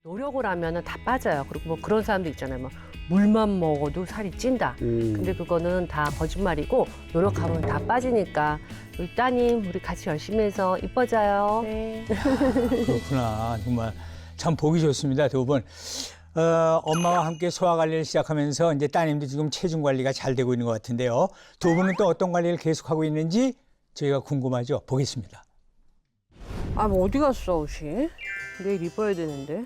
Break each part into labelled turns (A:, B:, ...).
A: 노력을 하면은 다 빠져요. 그리고 뭐 그런 사람도 있잖아요. 막 물만 먹어도 살이 찐다. 근데 그거는 다 거짓말이고 노력하면 다 빠지니까 우리 따님 우리 같이 열심히 해서 이뻐져요.
B: 네.
C: 그렇구나. 정말 참 보기 좋습니다. 두 분. 엄마와 함께 소화 관리를 시작하면서 이제 따님도 지금 체중 관리가 잘 되고 있는 것 같은데요. 두 분은 또 어떤 관리를 계속하고 있는지 저희가 궁금하죠. 보겠습니다.
A: 아, 뭐 어디 갔어, 옷이? 내일 입어야 되는데.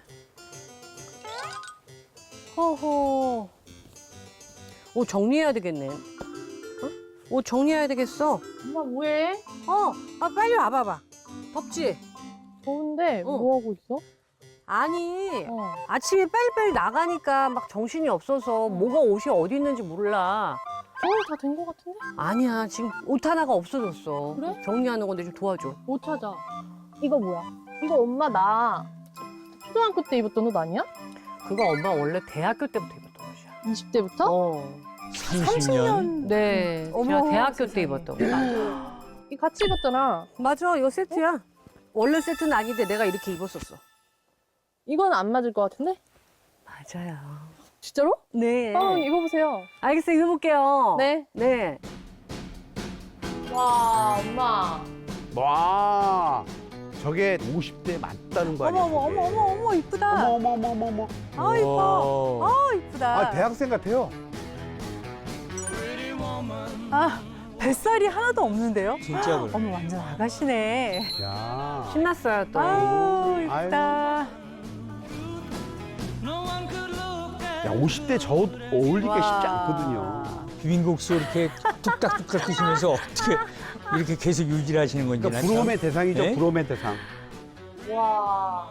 A: 허허. 옷 정리해야 되겠네. 어? 옷 정리해야 되겠어.
B: 엄마 뭐해?
A: 빨리 와봐봐. 덥지?
B: 더운데 뭐 하고 있어?
A: 아니, 아침에 빨리빨리 나가니까 막 정신이 없어서 뭐가 옷이 어디 있는지 몰라.
B: 정리 다 된 거 같은데?
A: 아니야, 지금 옷 하나가 없어졌어.
B: 그래?
A: 정리하는 건데 좀 도와줘.
B: 못 찾아. 이거 뭐야? 이거 엄마 나 초등학교 때 입었던 옷 아니야?
A: 그거 엄마 원래 대학교 때부터 입었던 옷이야.
B: 20대부터?
C: 30년?
A: 네, 제가
B: 어머,
A: 대학교
B: 세상에.
A: 때 입었던 옷.
B: 이 같이 입었잖아.
A: 맞아, 이거 세트야. 원래 세트는 아닌데 내가 이렇게 입었었어.
B: 이건 안 맞을 것 같은데?
A: 맞아요.
B: 진짜로?
A: 네.
B: 입어보세요.
A: 알겠어요, 입어볼게요.
B: 네.
A: 네.
B: 와, 엄마.
D: 와, 저게 50대 맞다는 거 아니야?
A: 어머, 이쁘다.
D: 어머.
A: 아, 이뻐. 아, 이쁘다.
D: 아, 대학생 같아요.
E: 뱃살이 하나도 없는데요?
C: 진짜 그래.
E: 어머 완전 아가씨네.
D: 야.
A: 신났어요, 또.
E: 아우 이쁘다.
D: 야, 50대 저 옷 어울리기가 쉽지 않거든요.
C: 비빔국수 이렇게 뚝딱뚝딱 드시면서 어떻게 이렇게 계속 유지를 하시는 건지.
D: 그러니까
C: 나 참.
D: 부러움의 대상이죠,
C: 네?
D: 부러움의 대상.
B: 와.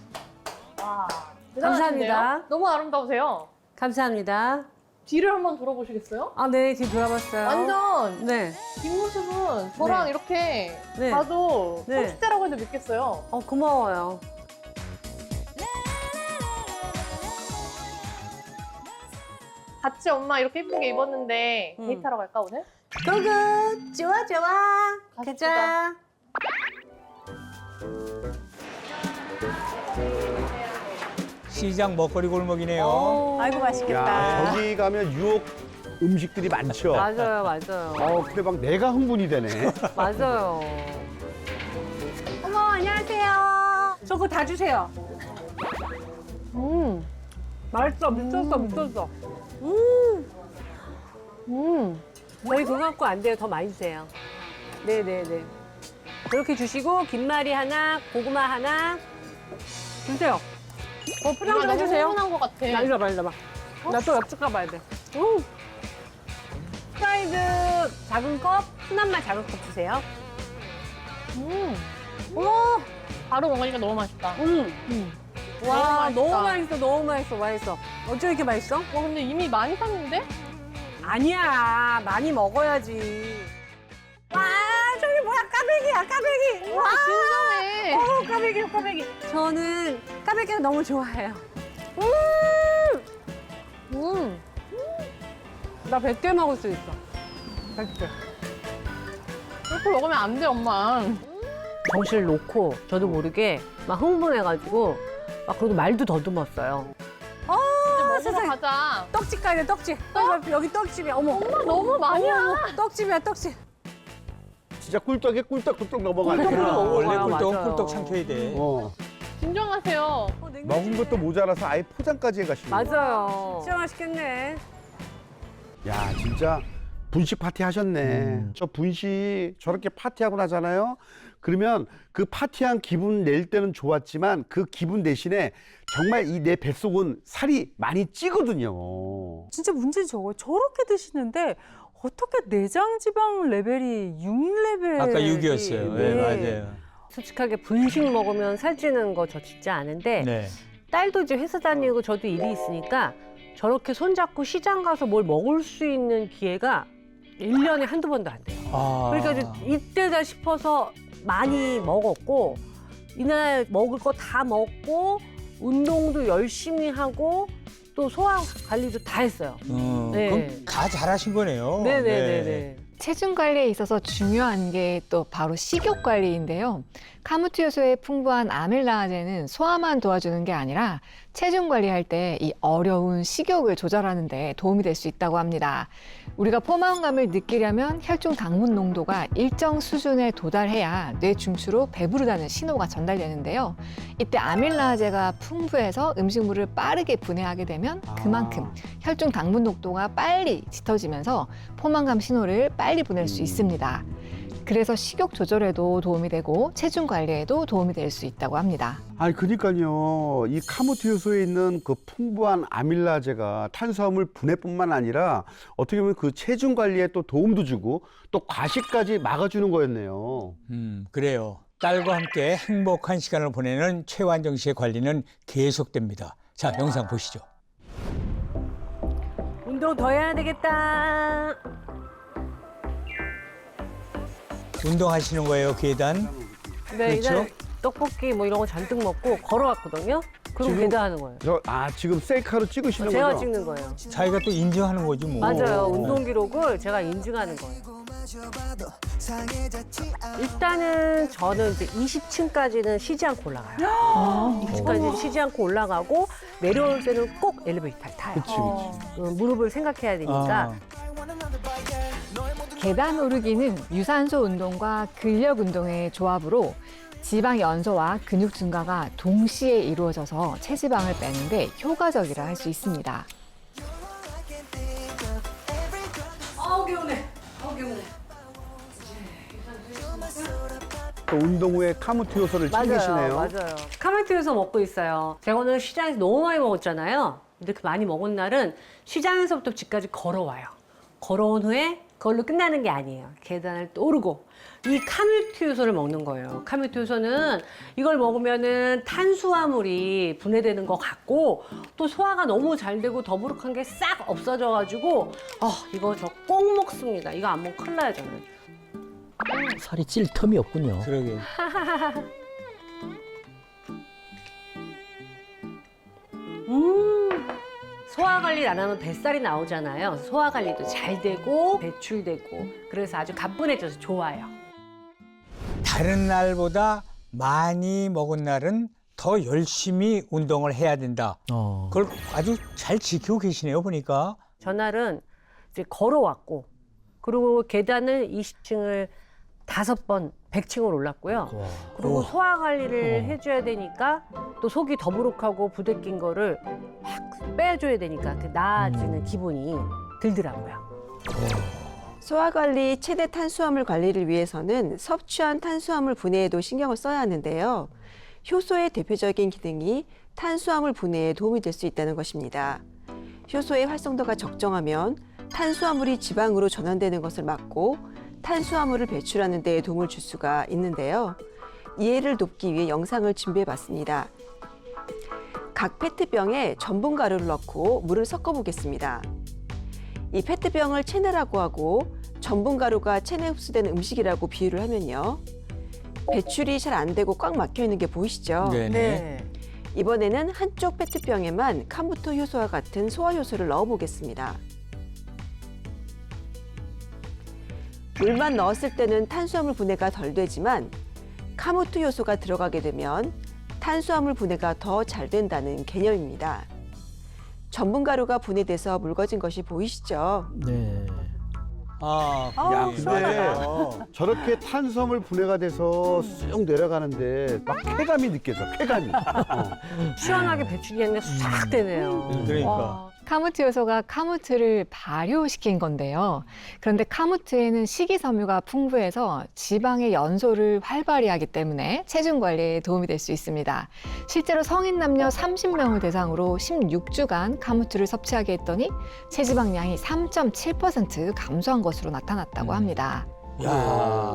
A: 감사합니다.
B: 대단하신데요? 너무 아름다우세요.
A: 감사합니다.
B: 뒤를 한번 돌아보시겠어요?
A: 아, 네, 지금 돌아봤어요.
B: 완전
A: 네.
B: 뒷모습은 저랑
A: 네.
B: 이렇게
A: 네.
B: 봐도
A: 네.
B: 30대라고 해도 믿겠어요.
A: 고마워요.
B: 같이 엄마 이렇게 예쁘게 입었는데 데이트하러 갈까 오늘?
A: 고고, 좋아.
B: 가자.
C: 시장 먹거리 골목이네요.
E: 아이고
D: 야,
E: 맛있겠다.
D: 저기 가면 유혹 음식들이 많죠.
A: 맞아요.
D: 근데 막 내가 흥분이 되네.
A: 맞아요. 어머, 안녕하세요. 저거 다 주세요. 맛있어, 미쳤어. 저희 그거 갖고 안 돼요. 더 많이 주세요. 네네네. 그렇게 주시고, 김말이 하나, 고구마 하나. 주세요. 포장 좀 해주세요.
B: 흥분한 것 같아.
A: 이리 와봐. 나 또 옆집 가봐야 돼. 프라이드 작은 컵, 순한 맛 작은 컵 주세요.
B: 바로 먹으니까 너무 맛있다.
A: 와,
B: 너무
A: 너무 맛있어. 어쩜 이렇게 맛있어?
B: 와 근데 이미 많이 샀는데?
A: 아니야, 많이 먹어야지. 와, 저기 뭐야, 까베기. 와,
B: 진정해.
A: 까베기. 저는 까베기가 너무 좋아해요. 나 100개 먹을 수 있어. 100개.
B: 이렇게 먹으면 안 돼 엄마.
A: 정신을 놓고 저도 모르게 막 흥분해가지고 막 그러고 말도 더듬었어요.
B: 이제 먹으러 가자.
A: 떡집 가야 돼, 떡집. 여기 떡집이야. 어머.
B: 엄마 너무 많이야.
A: 어머, 떡집이야, 떡집.
D: 진짜 꿀떡에 꿀떡꿀떡 넘어가네.
A: 꿀떡
C: 아,
A: 먹어요.
C: 원래
A: 맞아요.
C: 꿀떡 삼켜야 돼.
B: 진정하세요.
D: 먹은 것도 모자라서 아예 포장까지 해가시네.
A: 맞아요. 진짜 맛있겠네.
D: 야, 진짜 분식 파티 하셨네. 저 분식 저렇게 파티하고 나잖아요. 그러면 그 파티한 기분 낼 때는 좋았지만 그 기분 대신에 정말 이 내 뱃속은 살이 많이 찌거든요.
E: 진짜 문제는 저거 저렇게 드시는데 어떻게 내장 지방 레벨이 6레벨?
C: 아까 6이었어요. 네, 맞아요.
A: 솔직하게 분식 먹으면 살찌는 거 저 진짜 아는데
C: 네.
A: 딸도 이제 회사 다니고 저도 일이 있으니까 저렇게 손잡고 시장 가서 뭘 먹을 수 있는 기회가 1년에 한두 번도 안 돼요. 그러니까 이제 이때다 싶어서 많이 먹었고 이날 먹을 거 다 먹고 운동도 열심히 하고 또 소화 관리도 다 했어요. 네.
C: 그럼 다 잘하신 거네요.
A: 네네네네.
F: 체중 관리에 있어서 중요한 게 또 바로 식욕 관리인데요. 카무트 요소의 풍부한 아밀라아제는 소화만 도와주는 게 아니라 체중 관리할 때 이 어려운 식욕을 조절하는 데 도움이 될 수 있다고 합니다. 우리가 포만감을 느끼려면 혈중 당분 농도가 일정 수준에 도달해야 뇌 중추로 배부르다는 신호가 전달되는데요. 이때 아밀라아제가 풍부해서 음식물을 빠르게 분해하게 되면 그만큼 혈중 당분 농도가 빨리 짙어지면서 포만감 신호를 빨리 보낼 수 있습니다. 그래서 식욕 조절에도 도움이 되고 체중 관리에도 도움이 될 수 있다고 합니다.
D: 아니 그러니까요. 이 카무트 요소에 있는 그 풍부한 아밀라제가 탄수화물 분해뿐만 아니라 어떻게 보면 그 체중 관리에 또 도움도 주고 또 과식까지 막아주는 거였네요.
C: 그래요. 딸과 함께 행복한 시간을 보내는 최완정 씨의 관리는 계속됩니다. 자, 영상 보시죠.
A: 운동 더 해야 되겠다.
C: 운동하시는 거예요, 계단?
A: 네,
C: 그렇죠?
A: 이날 떡볶이 뭐 이런 거 잔뜩 먹고 걸어왔거든요. 그리고
D: 지금-
A: 계단하는 거예요.
D: 지금 셀카로 찍으시는
A: 제가
D: 거죠?
A: 찍는 거예요.
C: 자기가 또 인증하는 거지 뭐.
A: 맞아요. 운동 기록을 제가 인증하는 거예요. 일단은 저는 이제 20층까지는 쉬지 않고 올라가요. 20층까지는 쉬지 않고 올라가고 내려올 때는 꼭 엘리베이터를 타요.
D: 그치, 그치.
A: 무릎을 생각해야 되니까.
F: 계단 오르기는 유산소 운동과 근력 운동의 조합으로 지방 연소와 근육 증가가 동시에 이루어져서 체지방을 빼는데 효과적이라 할 수 있습니다.
A: 개운해. 개운해.
D: 또 운동 후에 카무트 요소를 챙기시네요.
A: 맞아요. 카마트에서 먹고 있어요. 제가 오늘 시장에서 너무 많이 먹었잖아요. 근데 그 많이 먹은 날은 시장에서부터 집까지 걸어와요. 걸어온 후에 그걸로 끝나는 게 아니에요. 계단을 또 오르고 이 카뮤트 요소를 먹는 거예요. 카뮤트 요소는 이걸 먹으면은 탄수화물이 분해되는 것 같고 또 소화가 너무 잘 되고 더부룩한 게 싹 없어져가지고 이거 저 꼭 먹습니다. 이거 안 먹으면 큰일 나요 저는.
G: 살이 찔 틈이 없군요.
C: 그러게.
A: 소화 관리를 안 하면 뱃살이 나오잖아요. 소화 관리도 잘 되고 배출되고 그래서 아주 가뿐해져서 좋아요.
C: 다른 날보다 많이 먹은 날은 더 열심히 운동을 해야 된다. 그걸 아주 잘 지키고 계시네요, 보니까.
A: 전날은 이제 걸어왔고 그리고 계단을 20층을 5번 100층을 올랐고요. 그리고
C: 오.
A: 소화 관리를 해줘야 되니까 또 속이 더부룩하고 부대낀 거를 확 빼줘야 되니까 그 나아지는 기분이 들더라고요.
H: 소화관리 최대 탄수화물 관리를 위해서는 섭취한 탄수화물 분해에도 신경을 써야 하는데요. 효소의 대표적인 기능이 탄수화물 분해에 도움이 될 수 있다는 것입니다. 효소의 활성도가 적정하면 탄수화물이 지방으로 전환되는 것을 막고 탄수화물을 배출하는 데 도움을 줄 수가 있는데요. 이해를 돕기 위해 영상을 준비해 봤습니다. 각 페트병에 전분 가루를 넣고 물을 섞어 보겠습니다. 이 페트병을 체내라고 하고 전분 가루가 체내 흡수되는 음식이라고 비유를 하면요. 배출이 잘 안 되고 꽉 막혀 있는 게 보이시죠?
C: 네네.
H: 이번에는 한쪽 페트병에만 카무트 효소와 같은 소화 효소를 넣어 보겠습니다. 물만 넣었을 때는 탄수화물 분해가 덜 되지만 카무트 효소가 들어가게 되면 탄수화물 분해가 더 잘 된다는 개념입니다. 전분 가루가 분해돼서 묽어진 것이 보이시죠?
G: 네.
D: 야, 근데 저렇게 탄수화물 분해가 돼서 쑥 내려가는데 막 쾌감이 느껴져, 쾌감이.
A: 시원하게 배출이 그냥 싹 되네요.
C: 그러니까.
F: 카무트 요소가 카무트를 발효시킨 건데요. 그런데 카무트에는 식이섬유가 풍부해서 지방의 연소를 활발히 하기 때문에 체중 관리에 도움이 될 수 있습니다. 실제로 성인 남녀 30명을 대상으로 16주간 카무트를 섭취하게 했더니 체지방량이 3.7% 감소한 것으로 나타났다고 합니다.
C: 야.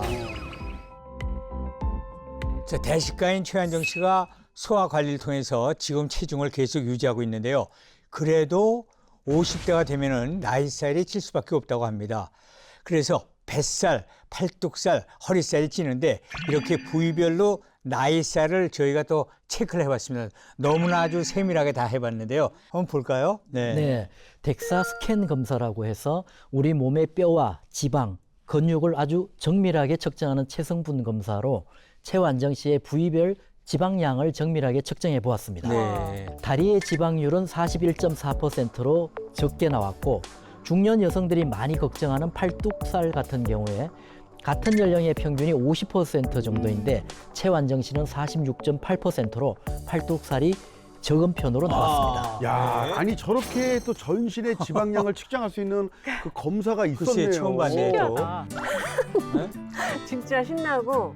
C: 자, 대식가인 최한정 씨가 소화 관리를 통해서 지금 체중을 계속 유지하고 있는데요. 그래도 50대가 되면은 나이살이 찔 수밖에 없다고 합니다. 그래서 뱃살, 팔뚝살, 허리살이 찌는데 이렇게 부위별로 나이살을 저희가 또 체크를 해봤습니다. 너무나 아주 세밀하게 다 해봤는데요. 한번 볼까요?
G: 네. 덱사 스캔 검사라고 해서 우리 몸의 뼈와 지방, 근육을 아주 정밀하게 측정하는 체성분 검사로 최완정 씨의 부위별 지방량을 정밀하게 측정해 보았습니다.
C: 네.
G: 다리의 지방률은 41.4%로 적게 나왔고 중년 여성들이 많이 걱정하는 팔뚝살 같은 경우에 같은 연령의 평균이 50% 정도인데 최완정 씨는 46.8%로 팔뚝살이 적은 편으로 나왔습니다.
D: 야, 아니 저렇게 또 전신의 지방량을 측정할 수 있는 그 검사가 있었네요.
C: 글쎄, 처음 봤네. 또.
A: 진짜 신나고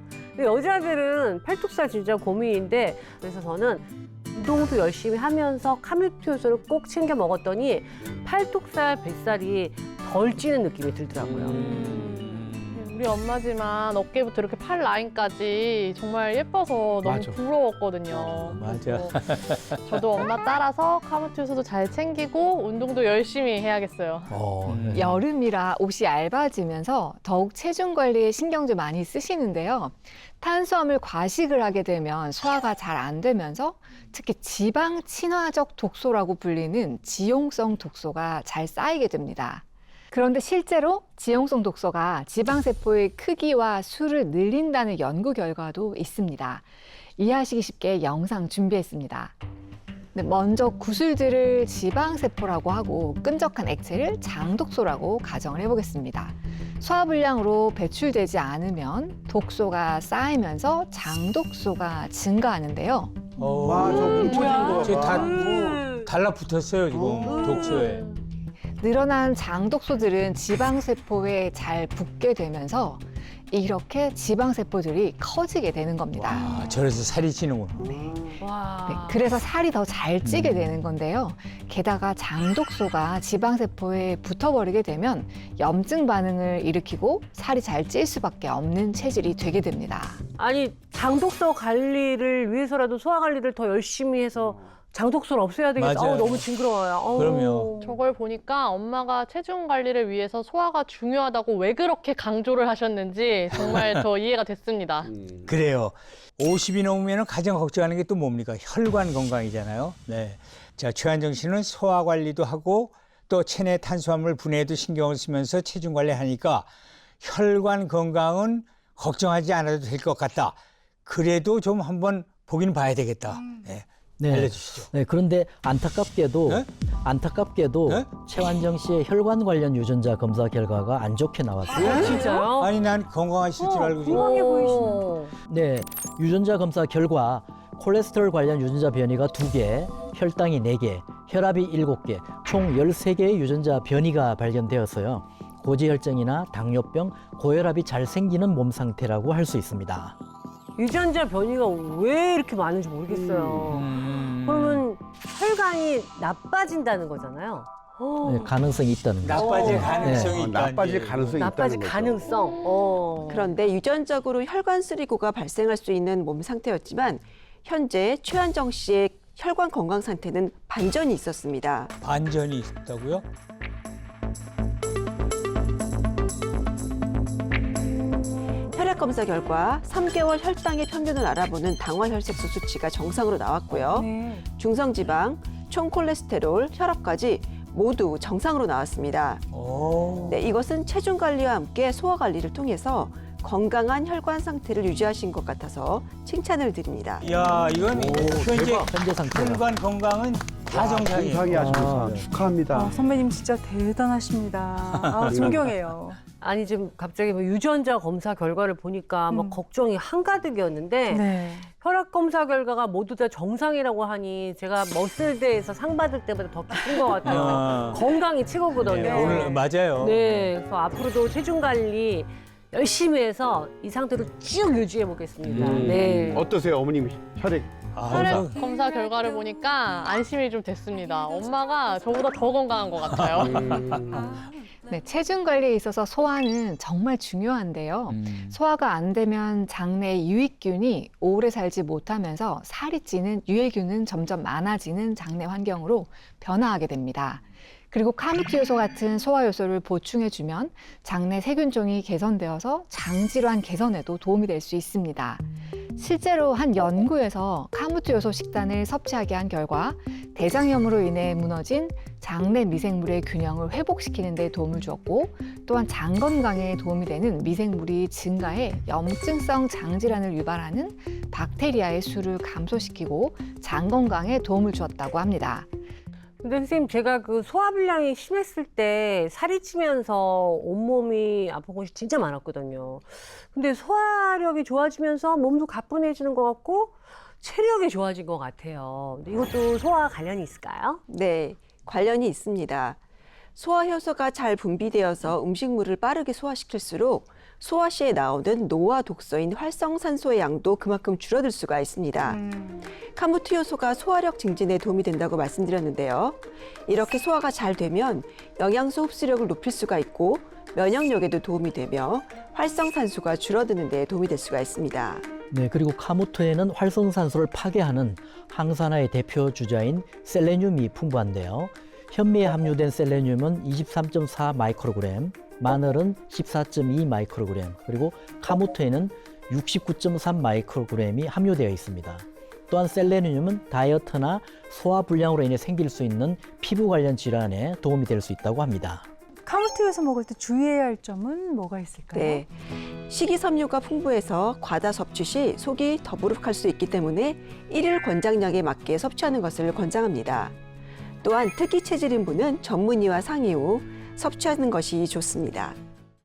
A: 여자들은 팔뚝살 진짜 고민인데 그래서 저는 운동도 열심히 하면서 카뮤트 효소를 꼭 챙겨 먹었더니 팔뚝살, 뱃살이 덜 찌는 느낌이 들더라고요.
B: 우리 엄마지만 어깨부터 이렇게 팔 라인까지 정말 예뻐서 너무
D: 맞아.
B: 부러웠거든요.
C: 맞아.
B: 그래서 저도 엄마 따라서 카무트 효소도 잘 챙기고 운동도 열심히 해야겠어요.
F: 여름이라 옷이 얇아지면서 더욱 체중 관리에 신경 좀 많이 쓰시는데요. 탄수화물 과식을 하게 되면 소화가 잘 안 되면서 특히 지방 친화적 독소라고 불리는 지용성 독소가 잘 쌓이게 됩니다. 그런데 실제로 지용성 독소가 지방세포의 크기와 수를 늘린다는 연구 결과도 있습니다. 이해하시기 쉽게 영상 준비했습니다. 먼저 구슬들을 지방세포라고 하고 끈적한 액체를 장독소라고 가정을 해보겠습니다. 소화불량으로 배출되지 않으면 독소가 쌓이면서 장독소가 증가하는데요.
D: 와, 저 뭉쳐진 거.
C: 저 다
D: 봐.
C: 달라붙었어요, 지금 독소에.
F: 늘어난 장독소들은 지방세포에 잘 붙게 되면서 이렇게 지방세포들이 커지게 되는 겁니다.
C: 아, 저래서 살이 찌는구나.
A: 와.
F: 네, 그래서 살이 더 잘 찌게 되는 건데요. 게다가 장독소가 지방세포에 붙어버리게 되면 염증 반응을 일으키고 살이 잘 찔 수밖에 없는 체질이 되게 됩니다.
A: 아니 장독소 관리를 위해서라도 소화 관리를 더 열심히 해서 장독소를 없애야 되겠다.
C: 맞아요.
A: 너무 징그러워요.
C: 그럼요.
B: 저걸 보니까 엄마가 체중 관리를 위해서 소화가 중요하다고 왜 그렇게 강조를 하셨는지 정말 더 이해가 됐습니다.
C: 그래요. 50이 넘으면 가장 걱정하는 게 또 뭡니까? 혈관 건강이잖아요. 네. 자, 최완정 씨는 소화 관리도 하고 또 체내 탄수화물 분해에도 신경을 쓰면서 체중 관리하니까 혈관 건강은 걱정하지 않아도 될 것 같다. 그래도 좀 한번 보긴 봐야 되겠다. 네.
G: 네.
C: 알려주시죠.
G: 네, 그런데 안타깝게도
C: 네?
G: 네? 최완정 씨의 혈관 관련 유전자 검사 결과가 안 좋게 나왔어요.
A: 진짜요?
C: 아니, 난 건강하실 줄 알고 지금.
A: 건강해 보이시는.
G: 네, 유전자 검사 결과 콜레스테롤 관련 유전자 변이가 2개, 혈당이 4개, 혈압이 7개, 총 13개의 유전자 변이가 발견되었어요. 고지혈증이나 당뇨병, 고혈압이 잘 생기는 몸 상태라고 할 수 있습니다.
A: 유전자 변이가 왜 이렇게 많은지 모르겠어요. 그러면 혈관이 나빠진다는 거잖아요.
G: 네, 가능성이 있다는 거죠.
C: 나빠질
A: 어.
C: 가능성이
G: 네.
C: 있다.
D: 나빠질 가능성이
A: 나빠질
D: 있다는 거죠.
A: 가능성.
H: 그런데 유전적으로 혈관 쓰리고가 발생할 수 있는 몸 상태였지만 현재 최완정 씨의 혈관 건강 상태는 반전이 있었습니다.
C: 반전이 있다고요?
H: 혈액 검사 결과 3개월 혈당의 평균을 알아보는 당화혈색소 수치가 정상으로 나왔고요. 중성지방, 총콜레스테롤, 혈압까지 모두 정상으로 나왔습니다.
C: 오.
H: 네, 이것은 체중 관리와 함께 소화 관리를 통해서 건강한 혈관 상태를 유지하신 것 같아서 칭찬을 드립니다.
C: 야, 이건 현재
D: 대박.
G: 현재 상태가.
C: 혈관 건강은 다 정상이에요.
D: 정상이 아주
G: 아,
D: 좋습니다. 축하합니다.
E: 선배님 진짜 대단하십니다. 아, 존경해요.
A: 아니 지금 갑자기 뭐 유전자 검사 결과를 보니까 막 걱정이 한가득이었는데
E: 네.
A: 혈압 검사 결과가 모두 다 정상이라고 하니 제가 머슬대에서 상 받을 때보다 더 기쁜 것 같아요.
C: 아.
A: 건강이 최고거든요.
C: 네, 오늘 맞아요.
A: 네, 그래서 앞으로도 체중 관리 열심히 해서 이 상태로 쭉 유지해 보겠습니다. 네.
D: 어떠세요, 어머님 혈액?
C: 아,
B: 혈액 검사 결과를 보니까 안심이 좀 됐습니다. 엄마가 저보다 더 건강한 것 같아요.
F: 네, 체중 관리에 있어서 소화는 정말 중요한데요. 소화가 안 되면 장내 유익균이 오래 살지 못하면서 살이 찌는 유해균은 점점 많아지는 장내 환경으로 변화하게 됩니다. 그리고 카무트 요소 같은 소화 요소를 보충해주면 장내 세균종이 개선되어서 장질환 개선에도 도움이 될 수 있습니다. 실제로 한 연구에서 카무트 요소 식단을 섭취하게 한 결과 대장염으로 인해 무너진 장내 미생물의 균형을 회복시키는 데 도움을 주었고 또한 장 건강에 도움이 되는 미생물이 증가해 염증성 장질환을 유발하는 박테리아의 수를 감소시키고 장 건강에 도움을 주었다고 합니다.
A: 근데 선생님 제가 그 소화불량이 심했을 때 살이 찌면서 온몸이 아픈 곳이 진짜 많았거든요. 근데 소화력이 좋아지면서 몸도 가뿐해지는 것 같고 체력이 좋아진 것 같아요. 근데 이것도 소화와 관련이 있을까요?
H: 네, 관련이 있습니다. 소화효소가 잘 분비되어서 음식물을 빠르게 소화시킬수록 소화 시에 나오는 노화 독소인 활성산소의 양도 그만큼 줄어들 수가 있습니다. 카무트 효소가 소화력 증진에 도움이 된다고 말씀드렸는데요. 이렇게 소화가 잘 되면 영양소 흡수력을 높일 수가 있고 면역력에도 도움이 되며 활성산소가 줄어드는 데 도움이 될 수가 있습니다.
G: 네, 그리고 카무트에는 활성산소를 파괴하는 항산화의 대표 주자인 셀레늄이 풍부한데요. 현미에 함유된 셀레늄은 23.4 마이크로그램, 마늘은 14.2 마이크로그램, 그리고 카무트에는 69.3 마이크로그램이 함유되어 있습니다. 또한 셀레늄은 다이어트나 소화불량으로 인해 생길 수 있는 피부 관련 질환에 도움이 될 수 있다고 합니다.
E: 카무트에서 먹을 때 주의해야 할 점은 뭐가 있을까요?
H: 네, 식이섬유가 풍부해서 과다 섭취 시 속이 더부룩할 수 있기 때문에 일일 권장량에 맞게 섭취하는 것을 권장합니다. 또한 특이 체질인 분은 전문의와 상의 후 섭취하는 것이 좋습니다.